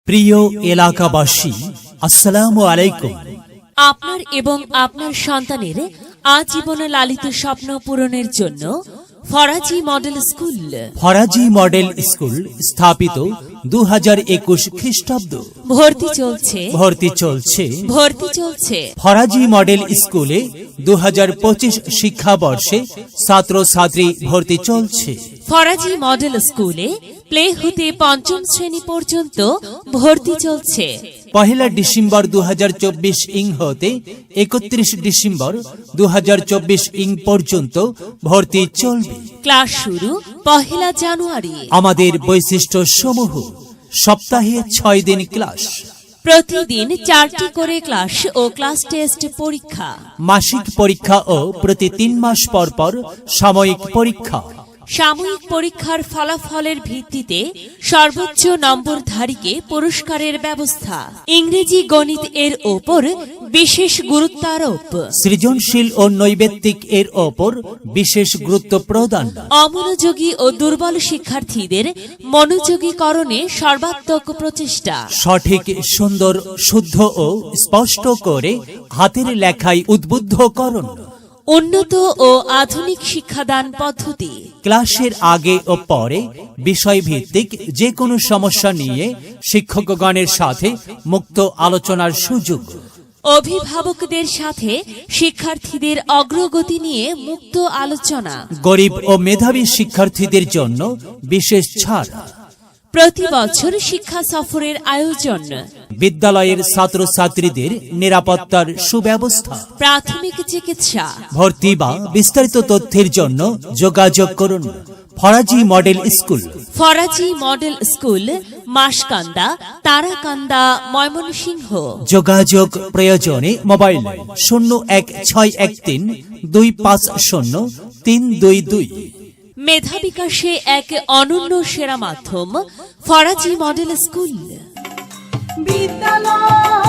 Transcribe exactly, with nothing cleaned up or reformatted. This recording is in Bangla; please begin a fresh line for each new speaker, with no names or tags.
প্রিয় এলাকাবাসী, আসসালামু আলাইকুম।
আপনার এবং আপনার সন্তানের আজীবন লালিত স্বপ্ন পূরণের জন্য Faraji model school.
Faraji model school স্থাপিত দু হাজার একুশ খ্রিস্টাব্দ।
ভর্তি চলছে
ভর্তি চলছে
ভর্তি চলছে
ফরাজি মডেল স্কুলে দু হাজার পঁচিশ শিক্ষাবর্ষে ছাত্র ছাত্রী ভর্তি চলছে।
ফরাজি মডেল স্কুলে প্লে হতে পঞ্চম শ্রেণী পর্যন্ত ভর্তি চলছে।
পহেলা ডিসেম্বর দু হাজার চব্বিশ ইং হতে একত্রিশ ডিসেম্বর দু হাজার চব্বিশ ইং পর্যন্ত ভর্তি চলবে।
ক্লাস শুরু পহেলা জানুয়ারি।
আমাদের বৈশিষ্ট্য সমূহ: সপ্তাহে ছয় দিন ক্লাস,
প্রতিদিন চারটি করে ক্লাস ও ক্লাস টেস্ট পরীক্ষা,
মাসিক পরীক্ষা ও প্রতি তিন মাস পর পর সাময়িক পরীক্ষা।
সাময়িক পরীক্ষার ফলাফলের ভিত্তিতে সর্বোচ্চ নম্বরধারীকে পুরস্কারের ব্যবস্থা। ইংরেজি গণিত এর ওপর বিশেষ গুরুত্বারোপ।
সৃজনশীল ও নৈবেত্তিক এর ওপর বিশেষ গুরুত্ব প্রদান।
অমনোযোগী ও দুর্বল শিক্ষার্থীদের মনোযোগীকরণে সর্বাত্মক প্রচেষ্টা।
সঠিক, সুন্দর, শুদ্ধ ও স্পষ্ট করে হাতের লেখায় উদ্বুদ্ধকরণ।
উন্নত ও আধুনিক শিক্ষাদান পদ্ধতি।
ক্লাসের আগে ও পরে বিষয়ভিত্তিক যে কোনো সমস্যা নিয়ে শিক্ষকগণের সাথে মুক্ত আলোচনার সুযোগ।
অভিভাবকদের সাথে শিক্ষার্থীদের অগ্রগতি নিয়ে মুক্ত আলোচনা।
গরিব ও মেধাবী শিক্ষার্থীদের জন্য বিশেষ ছাড়।
প্রতি বছর শিক্ষা সফরের আয়োজন।
বিদ্যালয়ের ছাত্রছাত্রীদের নিরাপত্তার সুব্যবস্থা।
প্রাথমিক চিকিৎসা।
ভর্তি বা বিস্তারিত তথ্যের জন্য যোগাযোগ করুন Faraji model school.
Faraji model school, Maskanda, Tarakanda, Mymensingh.
যোগাযোগ প্রয়োজনে মোবাইল শূন্য এক ছয় এক তিন দুই পাঁচ শূন্য তিন দুই দুই।
মেধা বিকাশে এক অনন্য সেরা মাধ্যম ফরাজি মডেল স্কুল।
বিদ্যালয়